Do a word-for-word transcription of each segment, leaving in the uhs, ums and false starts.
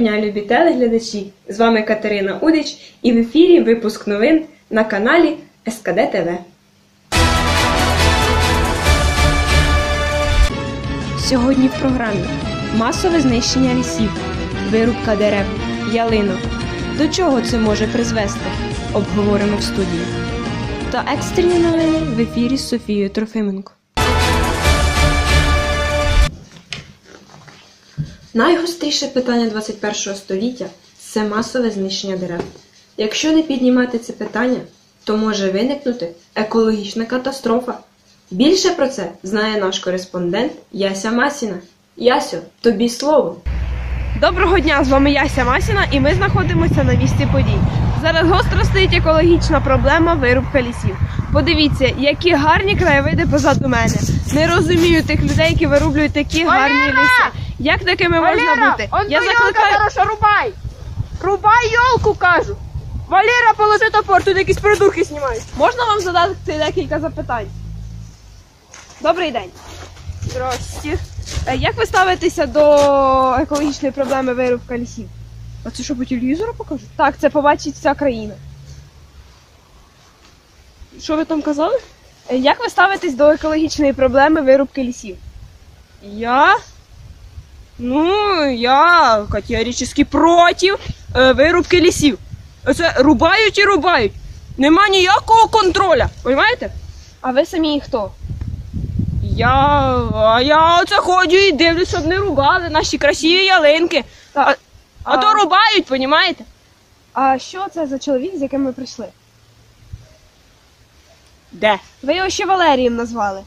дня, любі телеглядачі! З вами Катерина Удич і в ефірі випуск новин на каналі ес ка де те ве. Сьогодні в програмі масове знищення лісів, вирубка дерев, ялинок. До чого це може призвести? Обговоримо в студії. Та екстрені новини в ефірі з Софією Трофименко. Найгостріше питання двадцять першого століття – це масове знищення дерев. Якщо не піднімати це питання, то може виникнути екологічна катастрофа. Більше про це знає наш кореспондент Яся Масіна. Ясю, тобі слово. Доброго дня, з вами Яся Масіна і ми знаходимося на місці подій. Зараз гостро стоїть екологічна проблема вирубка лісів. Подивіться, які гарні краєвиди позаду мене. Не розумію тих людей, які вирублюють такі Валера! гарні ліси. Як такими Валера, можна бути? он Я ту закликаю... ёлка, хорошо, рубай! Рубай ёлку, кажу! Валера, положи топор, тут якісь придурки знімають. Можна вам задати декілька запитань? Добрий день. Здрасте. Е, Як ви ставитеся до екологічної проблеми вирубка лісів? А це що, по телевізору покажуть? Так, це побачить вся країна. Що ви там казали? Е, Як ви ставитесь до екологічної проблеми вирубки лісів? Я? Ну, я категорично проти е, вирубки лісів. Це рубають і рубають. Нема ніякого контроля, розумієте? А ви самі хто? Я, а я оце ходжу і дивлюсь, щоб не рубали наші красиві ялинки. А, а, а- то рубають, розумієте? А що це за чоловік, з яким ви прийшли? Де? Ви його ще Валерієм назвали.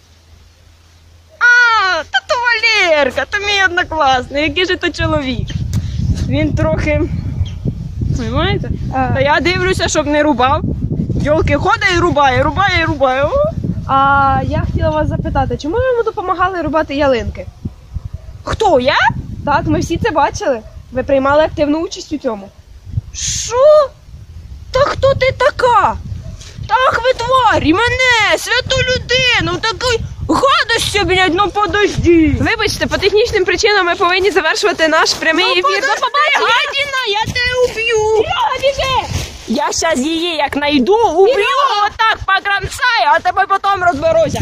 А, та то Валерка, то мій однокласний, який же то чоловік. Він трохи, розумієте? А, Та я дивлюся, щоб не рубав. Йолки ходить і рубає, рубає і рубає. О! а я хотіла вас запитати, чому ви йому допомагали рубати ялинки? Хто, я? Так, ми всі це бачили. Ви приймали активну участь у цьому. Що? Та хто ти така? Так ви тварі, мене, святу людину, такий гадості, блядь, ну подожди. Вибачте, по технічним причинам ми повинні завершувати наш прямий Ну ефір. подожди, гадіна, я тебе уб'ю. Я щас її як найду, уб'ю, отак покромсаю, а тебе потім розберуся.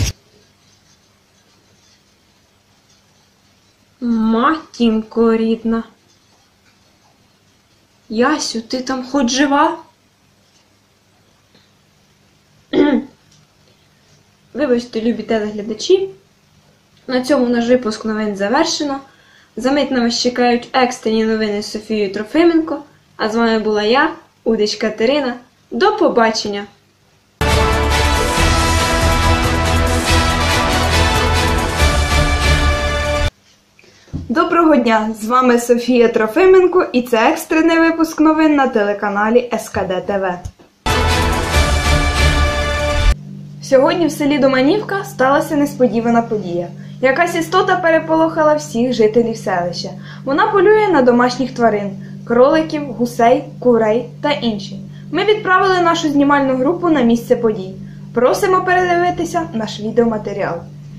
Матінко рідна. Ясю, ти там хоч жива? Вибачте, любі телеглядачі. На цьому наш випуск новин завершено. Замить на вас чекають екстрені новини з Софією Трофименко. А з вами була я, Удич Катерина. До побачення! Доброго дня! З вами Софія Трофименко і це екстрений випуск новин на телеканалі ес ка де те ве. Сьогодні в селі Доманівка сталася несподівана подія. Якась істота переполохала всіх жителів селища. Вона полює на домашніх тварин – кроликів, гусей, курей та інші. Ми відправили нашу знімальну групу на місце подій. Просимо передивитися наш відеоматеріал.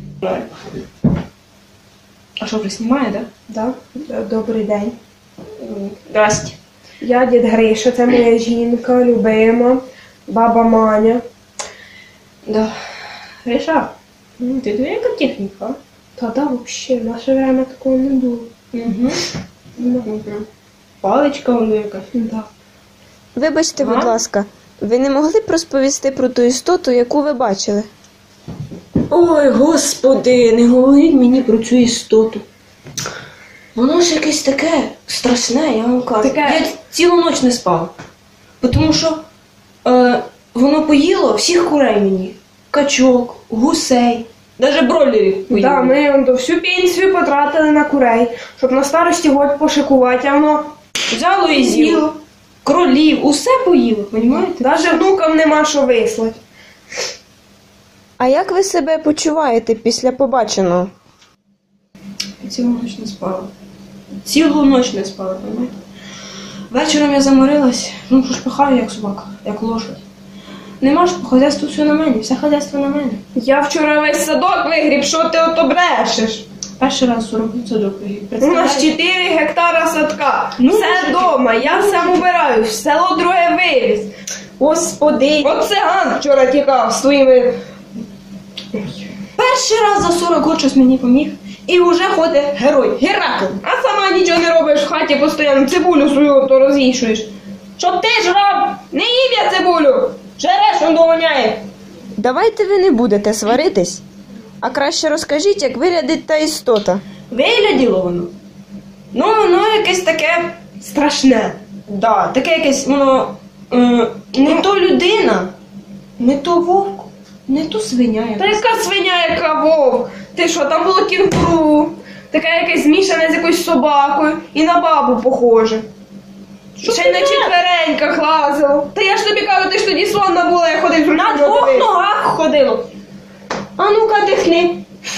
А що, вже знімає, так? Так, добрий день. Здрасте. Я дід Гриша, це моя жінка, любима, баба Маня. Да. Гриша, ти диви, яка техніка? Та да, взагалі, в наше время такого не було. Угу. Угу. Паличка воно якась. Да. Вибачте, Ага. будь ласка, ви не могли б розповісти про ту істоту, яку ви бачили? Ой, господи, не говоріть мені про цю істоту. Воно ж якесь таке страшне, я вам кажу. Таке- Я цілу ніч не спав. Тому що е, воно поїло всіх курей мені. Качок, гусей, навіть бройлерів поїло. Да, ми он, то всю пенсію потратили на курей, щоб на старості год пошикувати, а воно Взяло і з'їло. Кролів, усе поїло, розумієте? навіть внукам нема що вислати. А як ви себе почуваєте після побаченого? Цілу ніч не спала. Цілу ніч не спала, розумієте? Вечором я заморилась, ну що ж пахаю, як собака, як лошадь. Нема ж, хазяйство все на мене, все хазяйство на мене. Я вчора весь садок вигріб, що ти ото брешеш? Перший раз сорок садок вигрів. У нас чотири гектара садка. Ну, все мужики. вдома, я все убираю, село друге вивіз. Господи. От циган вчора тікав з своїми. Перший раз за сорок років щось мені поміг. І вже ходить герой. Геракл. А сама нічого не робиш в хаті, постійно цибулю свою то розвішуєш. Що ти ж роб? Не їм я цибулю! Жереш, он доганяє. Давайте ви не будете сваритись, а краще розкажіть, як виглядить та істота. Вигляділо воно. Ну, воно якесь таке страшне. Да, таке якесь воно е, не то людина, не то вовк, не то свиня. Та якась. яка свиня, яка вовк? Ти що, там було кінгуру, таке якесь змішане з якоюсь собакою і на бабу похоже. Що Ще й ти на не? четвереньках лазило. Та я ж тобі кажу, ти ж тоді слонна була, я ходив з На рукою двох дивився. ногах ходило. А ну-ка дихни.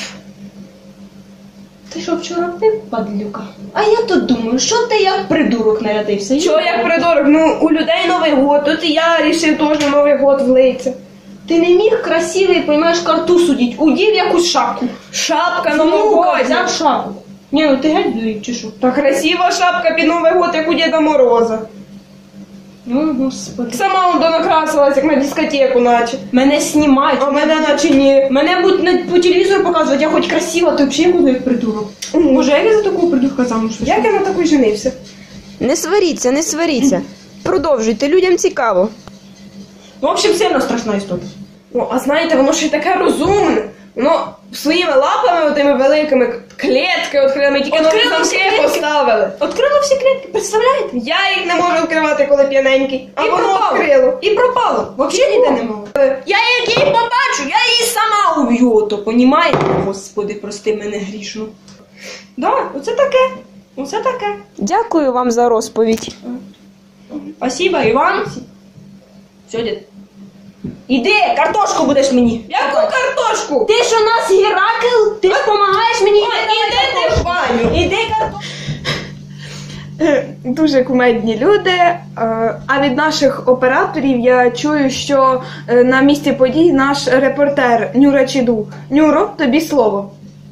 Ти що вчора пив, падлюка? А я тут думаю, що ти як придурок нарядився? Чого як придурок? Ну, у людей Новий год, тут і я рішив теж Новий год влиться. Ти не міг красивий, понімаєш, карту судіть. Удів якусь шапку. Шапка Ну-ка, новогодня. взяв шапку. Ні, ну ти геть дурик, чи що? Та красива шапка під Новий год, як у Діда Мороза. Ну, господи. Сама он донакрасилась, як на дискотеку наче. Мене знімають. А мене наче ні. Мене будуть на, по телевізору показувати, я хоч красива, то взагалі буду як придурок. Боже, як я за такого придурка замуж вийшла? Як я на таку женився? Не сваріться, не сваріться. Продовжуйте, людям цікаво. В общем, сильно страшна істота. Ну, а знаєте, воно ще й таке розумне. Воно своїми лапами, отими великими клітки відкрили, тільки нові Відкрило всі замки клітки? поставили. Открила всі клітки, представляєте? Я їх не можу відкривати, коли п'яненький. А І воно пропало. відкрило. І пропало. Взагалі ніде не мало. Я як її побачу, я її сама уб'ю, то понімаєте? Господи, прости мене грішну. Да, оце таке. Оце таке. Дякую вам за розповідь. Спасибо, Іван. Все, дід. Іди, картошку будеш мені. Яку картошку? Ти ж у нас Геракл, ти ж допомагаєш мені. Ой, іди ти в баню. Іди картошку. Дуже кумедні люди. Е, А від наших операторів я чую, що е, на місці подій наш репортер Нюра Чіду. Нюро, тобі слово.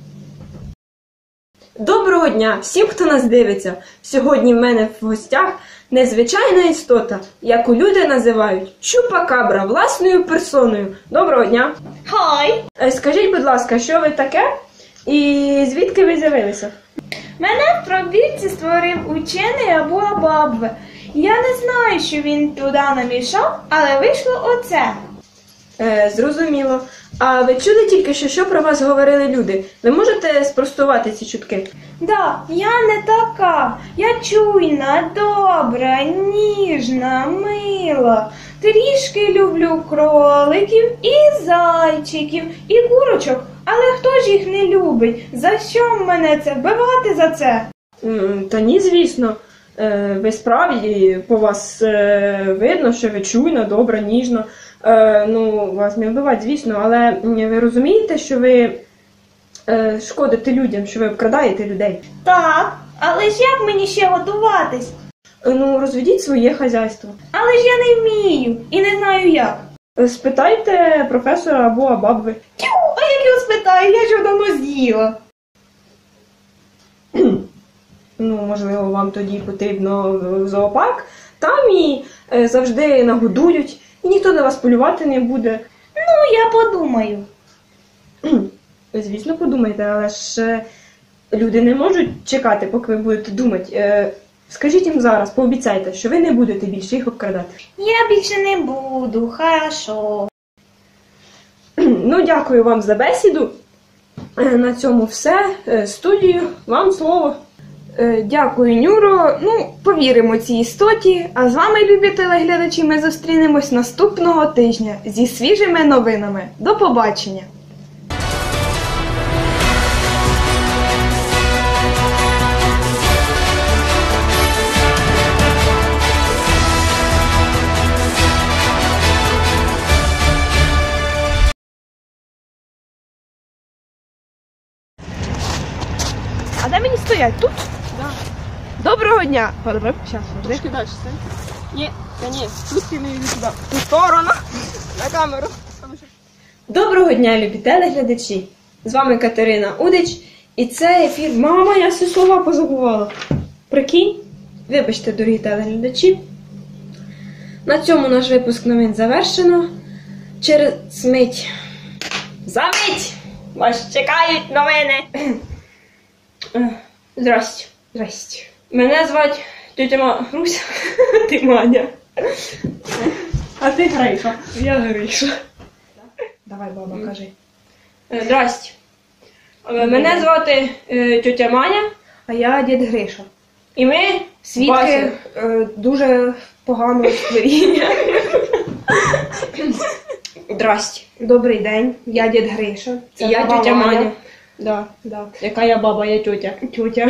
Доброго дня всім, хто нас дивиться. Сьогодні в мене в гостях незвичайна істота, яку люди називають Чупакабра власною персоною. Доброго дня. Хай. Е, Скажіть, будь ласка, що ви таке і звідки ви з'явилися? Мене в пробірці створив учений або Абабве. Я не знаю, що він туди намішав, але вийшло оце. Е, зрозуміло. А ви чули тільки що, що про вас говорили люди? Ви можете спростувати ці чутки? Да, я не така. Я чуйна, добра, ніжна, мила. Трішки люблю кроликів і зайчиків, і курочок. Але хто ж їх не любить? За що мене це вбивати за це? М, Та ні, звісно. Е, Ви справді, по вас е, видно, що ви чуйна, добра, ніжна. Е, Ну, вас не вбивати, звісно, але м, ви розумієте, що ви е, шкодите людям, що ви обкрадаєте людей? Так, але ж як мені ще готуватись? Е, Ну, розведіть своє хазяйство. Але ж я не вмію і не знаю як. Е, Спитайте професора або Абабви. Тю, а як його спитаю, я ж його давно з'їла. Ну, можливо, вам тоді потрібно в зоопарк. Там і е, завжди нагодують, і ніхто на вас полювати не буде. Ну, я подумаю. Звісно, подумайте, але ж е, люди не можуть чекати, поки ви будете думати. Е, Скажіть їм зараз, пообіцяйте, що ви не будете більше їх обкрадати. Я більше не буду, хорошо. Ну, дякую вам за бесіду. Е, На цьому все. Е, Студію, вам слово. Е, Дякую, Нюро. Ну, повіримо цій істоті. А з вами, любі телеглядачі, ми зустрінемось наступного тижня зі свіжими новинами. До побачення! А де мені стоять? Тут? Да. Доброго дня. Зараз, Трошки далі стань. Ні, та ні, тут ти не йди сюди. В ту сторону. На камеру. Доброго дня, любі телеглядачі. З вами Катерина Удич. І це ефір. Мама, я всі слова позабувала. Прикинь? Вибачте, дорогі телеглядачі. На цьому наш випуск новин завершено. Через мить. Замить! Вас чекають новини. Здрасте. Здрасте. Мене звати тетя Ма... Руся. Ти Маня. А ти Гриша. Я Гриша. Давай, баба, кажи. Е, Здрасте. Е, Мене звати е, тетя Маня. А я дід Гриша. І ми Свідки Вася. е, дуже поганого створіння. Здрасте. Добрий день, я дід Гриша. Це я баба тетя Маня. Да. Да. Яка я баба, я тетя. Тютя.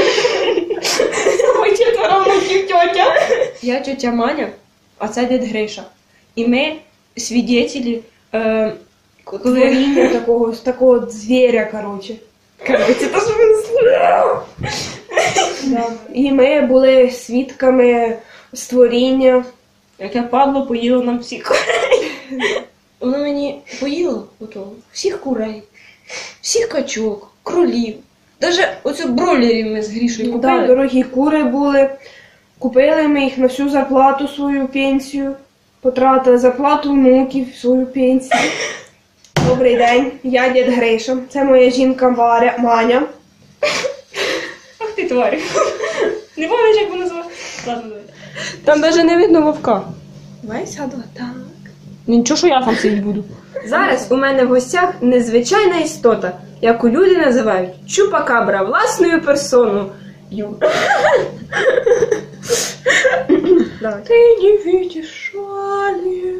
Ой, четверо внуків тетя. Я тетя Маня, А це дід Гриша. І ми свідетелі, е, коли... Творіння такого, такого звіря, коротше. Короче, то, що він слухав. Да. І ми були свідками створіння. Яке падло поїло нам всіх. воно мені поїло ото, всіх курей, всіх качок, кролів. Даже оцю бройлерів ми з Грішою Да, купили. дорогі кури були. Купили ми їх на всю зарплату, свою пенсію. Потратили зарплату внуків, свою пенсію. Добрий день, я дід Гриша. Це моя жінка Варя, Маня. Ах ти тварь. Не пам'ятаєш, як вона звала? Ладно, давай. Там навіть не видно вовка. Давай сяду так. Ну нічого, що я там сидіти буду. Зараз у мене в гостях незвичайна істота, яку люди називають чупакабра власною персоною. Давай. Ти не видиш шалі.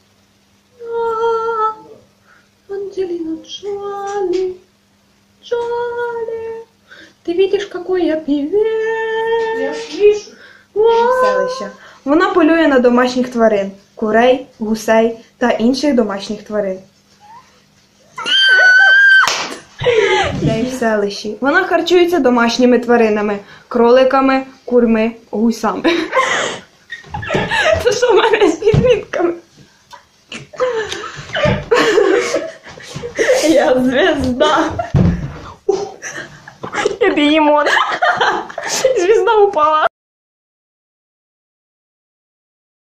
Анджелина Джоли, Джоли, ты видишь, какой я певец? Я слышу. Селища. Вона полює на домашніх тварин, курей, гусей та інших домашніх тварин. Де в селищі. Вона харчується домашніми тваринами, кроликами, курми, гусами. Це що в мене з підмітками? Я звезда. Я бігемот. Звізда упала.